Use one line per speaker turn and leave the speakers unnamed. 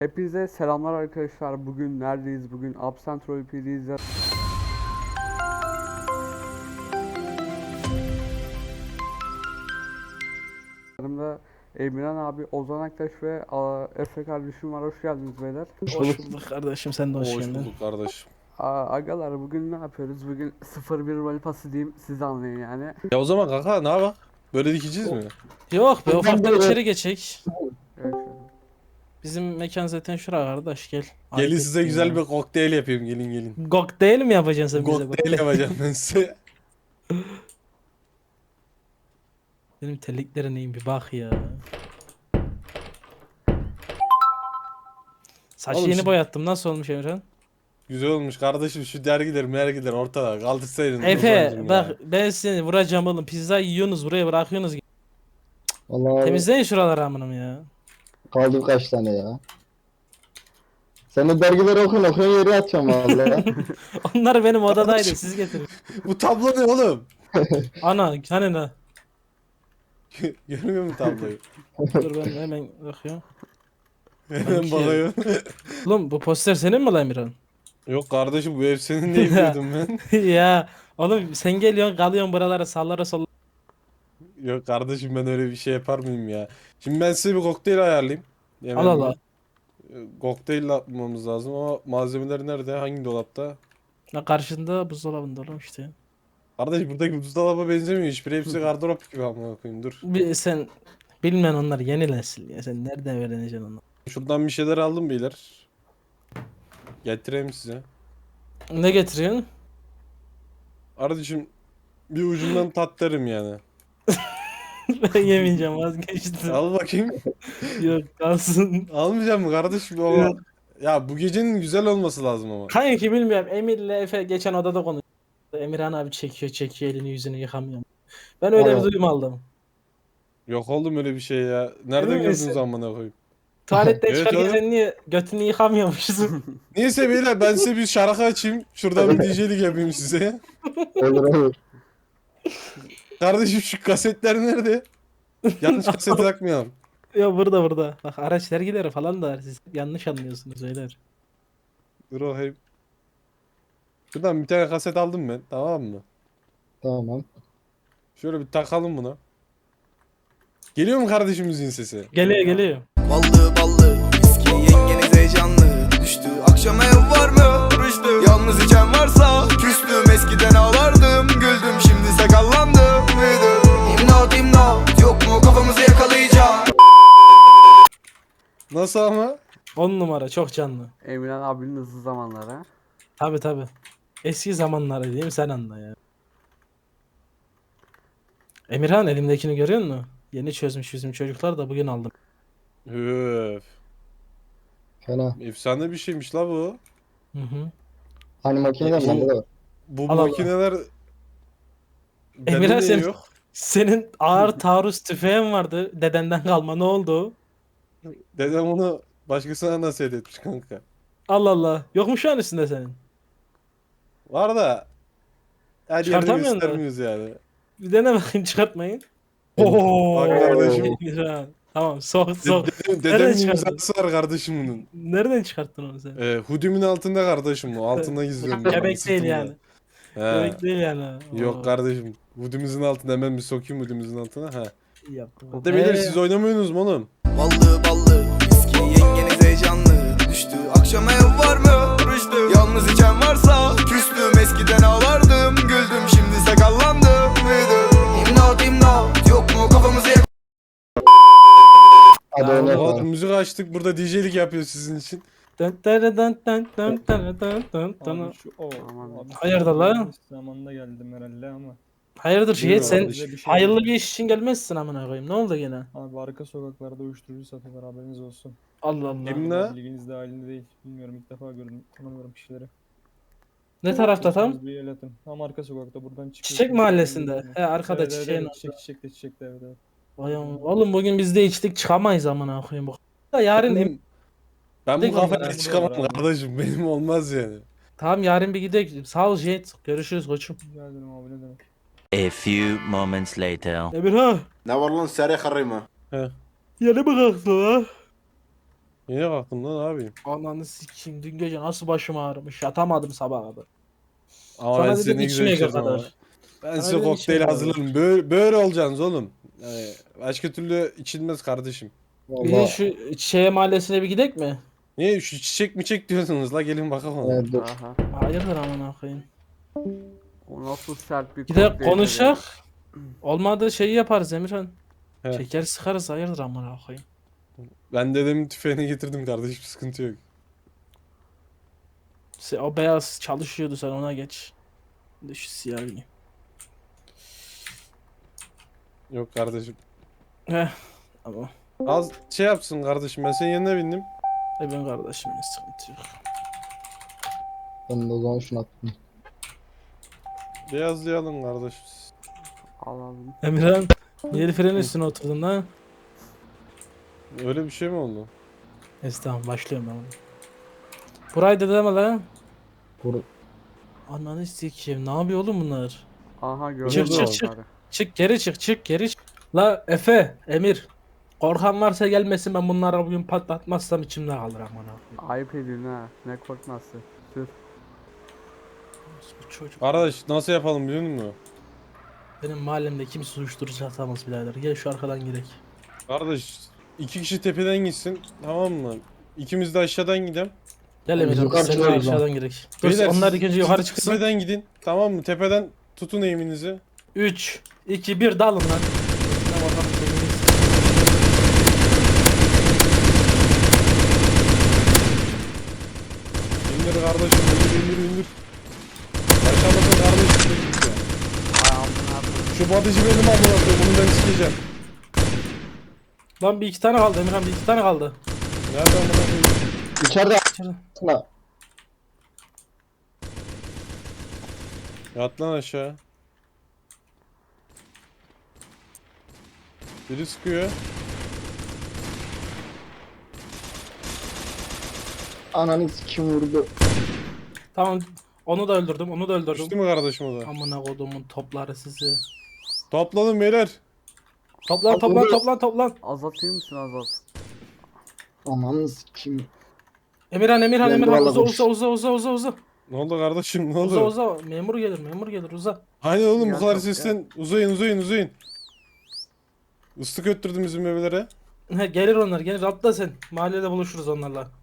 Hepinize selamlar arkadaşlar. Bugün neredeyiz? Bugün Absent Roleplay'deyiz. Yanımda Emirhan abi, Ozan Aktaş ve Efe kardeşim var. Hoş geldiniz beyler.
Hoş bulduk kardeşim, sen de hoş
Hoş
geldin.
bulduk kardeşim.
Agalar, bugün ne yapıyoruz? Bugün 0-1 rolepası diyeyim, siz anlayın yani.
Ya o zaman kanka ne yapak? Böyle dikeceğiz mi?
Yok be, ufaktan içeri geçek.
Evet, şöyle.
Bizim mekan zaten şura kardeş, gel.
Gelin
Ayıp
size
ettin
güzel
ya.
bir kokteyl yapayım, gelin gelin.
Kokteyl mi yapacaksın sen bize?
Kokteyl yapacağım ben size.
Benim terliklere neyim bir bak ya. Saçı
Oğlum
yeni
şu-
boyattım, nasıl olmuş Emirhan?
Güzel olmuş kardeşim, şu dergiler ortada kaldırsaydın.
Efe
Ozancım
bak,
ya.
ben seni vuracağım oğlum, pizza yiyorsunuz buraya bırakıyorsunuz.
Vallahi
Temizleyin şuraları amınım ya.
kaldı kaç tane ya. Sen de dergileri okuyun yere atacağım valla.
Onlar benim odadaydı, siz getirin.
Bu tablo ne oğlum?
Ana hani ne?
Görmüyor musun tabloyu?
Dur ben hemen bakıyorum.
Hemen
Sanki-
bakıyorum.
Oğlum bu poster senin mi lan Emirhan?
Yok kardeşim, bu ev senin değil diyordum ben.
Ya oğlum sen geliyorsun kalıyorsun buralara sallara sollara.
Yok kardeşim, ben öyle bir şey yapar mıyım ya? Şimdi ben size bir kokteyl ayarlayayım.
Al al al.
Kokteyl yapmamız lazım ama malzemeler nerede? Hangi dolapta?
Ya karşında buzdolabında oğlum işte.
Kardeş, buradaki buzdolaba benzemiyor hiçbir. Hepsi gardırop gibi, amına koyayım, dur.
Sen bilmen onlar yeni nesil ya. Sen nereden öğreneceksin onu?
Şuradan bir şeyler aldım beyler. Getireyim size.
Ne getiriyorsun?
Kardeşim, bir ucundan tat derim yani.
Ben yemeyeceğim, vazgeçtim.
Al bakayım.
Yok kalsın.
Almayacağım mı kardeşim ama. Ya bu gecenin güzel olması lazım ama.
Kanki bilmiyorum, Emir'le Efe geçen odada konuştu. Emirhan abi çekiyor elini yüzünü yıkamıyor. Ben öyle bir
Evet.
duyum aldım.
Yok oğlum öyle bir şey ya. Nereden
Emin
gördünüz
misin?
amına koyayım?
Tuvaletten
Evet
çıkarken
oğlum.
sen niye götünü yıkamıyormuşsun?
Neyse beyler, ben size bir şarkı açayım. Şuradan bir DJ'lik yapayım size.
Olur olur.
Kardeşim, şu kasetler nerede? Yanlış kaset takmayalım.
Ya burada. Bak araç vergileri falan da var. Siz yanlış anlıyorsunuz beyler.
Dur bakayım. Şuradan bir tane kaset aldım ben, tamam mı?
Tamam.
Şöyle bir takalım buna. Geliyor mu kardeşimizin sesi?
Geliyor.
Ballı ballı viski yengeniz heyecanlı düştü. Akşam ev var mı? Rüştü. Yalnız içen varsa küstüm. Eskiden ağlardım güldüm. Şimdi sakallandım büyüdüm. İmdat yok mu kafamızı yakalayacak.
Nasıl ama?
10 numara çok canlı.
Emirhan abinin hızlı zamanları.
Tabi. Eski zamanları diyeyim, sen anla ya. Emirhan elimdekini görüyor musun? Yeni çözmüş bizim çocuklar da bugün aldım.
Öf.
Fena.
Efsane bir şeymiş la bu.
Hı.
Hani makineden bende de var.
Bu
Allah Allah.
makineler bende
Emirhan
niye
sen,
yok?
senin ağır taarruz tüfeğin vardı dedenden kalma, ne oldu?
Dedem onu başkasına nasihat etmiş kanka.
Allah Allah. Yok mu şu an üstünde senin?
Var da her yerini
Çıkartamıyorsun da.
göstermiyoruz yani.
Bir dene bakayım çıkartmayın. Oo.
Bak kardeşim.
Emirhan. Tamam sok. Nereden
Dedemin
çıkardın?
imzası var kardeşim bunun.
Nereden çıkarttın onu sen?
Hudimin altında kardeşim bu. Altında gizliyorum. ben,
Göbek değil
sırtımda.
yani.
He.
Göbek değil yani.
Yok
Oo.
kardeşim. Hudimizin altında, hemen bir sokayım hudimizin altına. Ha.
İyi yaptın.
De beyler, siz oynamıyorsunuz mu oğlum?
Ballı viski yengeniz heyecanlı düştü. Akşam ev var mı? Rüştü. Yalnız içen varsa küstüm. Eskiden ağlardım güldüm. Şimdi sakallandım büyüdüm. İmdat yok mu kafamızı
Hadi
Ya,
onu
Oha,
yapalım.
müzik açtık burada, DJ'lik yapıyor sizin için.
Dın dın dın dın dın dın dın dın dın.
Abi şu o.
Aman.
Abi
Hayırdır lan?
zamanında geldim herhalde ama.
Hayırdır Şehit,
Buyurun
sen
kardeşim.
Bir şey
hayırlı
oldu.
bir iş için gelmezsin amına koyayım. Ne oldu gene?
Abi arka sokaklarda uyuşturucu satıyorlar, haberiniz olsun.
Allah Allah.
Kim ne?
Bilginiz dahilinde değil. Bilmiyorum, ilk defa gördüm. Tanımıyorum kişileri.
Ne tarafta tam?
Siz bir el atın. Tam arka sokakta buradan çıkıyorsunuz.
Çiçek mahallesinde. He arkada
Evet,
çiçeğin
evet,
orada.
çiçekte evet evet.
Vay aman. Oğlum bugün biz de içtik, çıkamayız amına koyayım bu. Da yarın
Ben bu
Tek
kafayla
onlar
çıkamam
burada var abi.
kardeşim. Benim olmaz yani.
tamam yarın bir gidelim. Sağ ol Jet. Görüşürüz koçum.
Rica ederim abi, ne demek.
A few moments later.
Emirhan.
Ne var lan seri karıyma?
Yeni mi kalktın ha?
Yine kalktım lan abi.
Ananı sikeyim. Dün gece nasıl başım ağrımış. Yatamadım sabaha kadar.
Ama
Sana
ben
dedim
seni ne güzel
içmeye
içeceğim ama.
kadar.
Ben
Sana
size
dedim
kokteyl
içmeye
hazırlarım. Böyle olacaksınız oğlum. Yani başka türlü içilmez kardeşim.
Bir de
Valla.
şu şeye mahallesine bir gidek mi?
Niye şu çiçek mi çek diyorsunuz la gelin bakalım ona.
Evet, dur.
Aha.
Hayırdır amına koyayım.
O nasıl sert bir
Bir de
kokteyl
konuşak. Olmadı şeyi yaparız Emirhan.
He.
Şeker sıkarız hayırdır amına koyayım.
Ben dedemin tüfeğini getirdim kardeşim sıkıntı yok.
O beyaz çalışıyordu sen ona geç. Bir de şu siyah giyeyim.
Yok kardeşim.
Heh. Ama
Az şey yapsın kardeşim ben senin yanına bindim.
ben kardeşim sıkıntı yok.
Ben de o zaman şunu attım.
Beyazlayalım kardeşim.
Alalım.
Emirhan niye el frenin üstüne oturdun lan?
Öyle bir şey mi oldu?
Neyse tamam başlıyorum ben. Burayı da deme lan.
Vur.
Ananı sikeyim ne yapıyor oğlum bunlar?
Aha gördüm.
Çık, çık, çık. Çık geri çık geri çık. La Efe, Emir. Korkan varsa gelmesin ben bunlara bugün patlatmazsam içimde kalır amına.
Ayıp ediyorsun ha. Ne korkması. Sür.
Bu çocuk.
Kardeş nasıl yapalım biliyor musun?
Benim mahallemde kimse uyuşturucu atamaz birader. Gel şu arkadan girek.
Kardeş 2 kişi tepeden gitsin tamam mı? İkimiz de aşağıdan gidelim.
Gel
Biz
Emirhan
yukarı
biz seninle
çıkıyoruz lan.
aşağıdan girek. Dur
Beyler,
onlar
siz-
ikinci
siz
yukarı çıksın.
Tepeden gidin tamam mı? Tepeden tutun eğiminizi.
3, 2, 1 dalın lan. Ne bakalım kendiniz.
İndir kardeşim indir. Aşağıdaki kardeşim de gitti.
Ay amına koyayım.
Şu batıcı benim amına koyayım bunu ben sikeceğim.
Lan bir iki tane kaldı Emirhan bir iki tane kaldı.
Nerede amına koyayım?
İçeride
İçeride.
aslında.
Yat lan aşağı. Biri sıkıyor.
Ananı kim vurdu?
Tamam onu da öldürdüm onu da öldürdüm.
Düştü mü kardeşim o da?
Amına kodumun topları sizi.
Topladım beyler.
Toplan.
Azatayım mısın Azat?
Ananı kim?
Emirhan
Ben
uza
buralara
uza.
Ne oldu kardeşim ne oldu?
Uza. Memur gelir uza.
Hani oğlum
Ya
bu kadar
çok ya.
sesten uzayın. Islık öttürdüm bizim bebeklere.
Gelir onlar gelir atla sen. Mahallede buluşuruz onlarla.